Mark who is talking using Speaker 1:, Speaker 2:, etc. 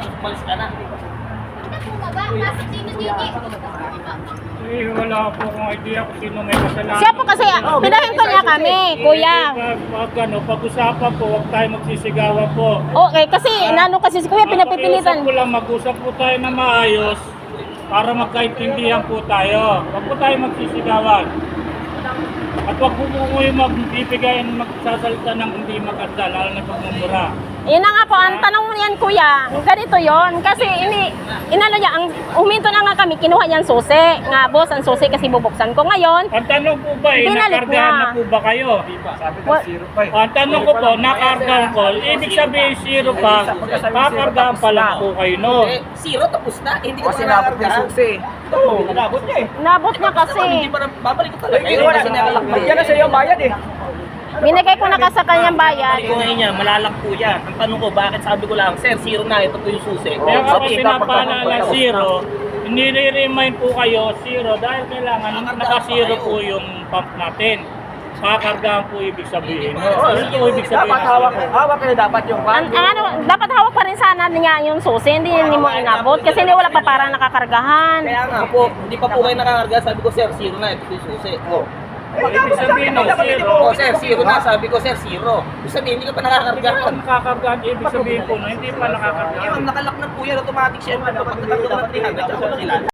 Speaker 1: umalis ka na.
Speaker 2: Eh, wala po akong idea kung sino may kasalanan.
Speaker 3: Siya po kasi, pinahinto niya kami, kuya.
Speaker 2: Pag-usapan po, huwag tayo magsisigawan po.
Speaker 3: Okay, kasi nano kasi si kuya pinapipilitan.
Speaker 2: Mag-usap po lang, mag-usap po tayo na maayos para magkaintindihan po tayo. Huwag po tayo magsisigawan. At huwag po po yung magbibigay ng magsasalita ng hindi maganda, lalo na pagmumura.
Speaker 3: Yun na nga po, ang tanong mo yan kuya, ganito yon kasi inano niya, huminto na nga kami, kinuha niyan susi. Nga boss, ang susi kasi bubuksan ko ngayon.
Speaker 2: Ang tanong po ba,
Speaker 3: Binalik
Speaker 2: nakargahan
Speaker 3: na.
Speaker 2: na po ba kayo?
Speaker 4: Sabi ng
Speaker 3: What?
Speaker 4: zero pa eh.
Speaker 2: Ang tanong ko po, nakargahan ko, ibig sabihin zero pa, kakargahan pa lang po kayo, no?
Speaker 1: Eh, zero, tapos na. Hindi ka
Speaker 4: Kasi
Speaker 1: pa
Speaker 4: nabot yung
Speaker 1: nakakarga.
Speaker 4: susi.
Speaker 1: Oo, nabot niya eh.
Speaker 3: Nabot niya kasi.
Speaker 1: Hindi pa na, babalik ko talaga.
Speaker 4: Eh, wala. Yan na sa iyo bayad eh.
Speaker 3: Binigay ko na ka sa kanyang bayad.
Speaker 1: Sabi ko ngayon niya, malalak po yan. Ang tanong ko, bakit sabi ko lang, sir, zero na, ito po yung susi.
Speaker 2: Kaya kapag
Speaker 4: Sabi,
Speaker 2: pinapaalala zero, nire-remind po kayo zero dahil kailangan naka-zero po yung pump natin. Kakargahan po ibig sabihin. Ano po ibig sabihin?
Speaker 4: Dapat hawak kayo dapat yung
Speaker 3: Ano, dapat hawak pa rin sana niya yung susi, hindi mo inabot kasi hindi wala pa parang nakakargahan.
Speaker 1: Kaya nga po, hindi pa po kayo nakakarga. Sabi ko, sir, zero na, ito po yung susi.
Speaker 2: Ibig sabihin, no, zero.
Speaker 1: Oo, sir, zero na. Sabi ko, sir, zero. Ibig sabihin, hindi ka pa nakakargahan.
Speaker 2: Nakakargahan, ibig sabihin po, no, hindi pa nakakargahan.
Speaker 1: Nakalak na po yan, automatic siya. Pagkatapos ng 300, ako na sila.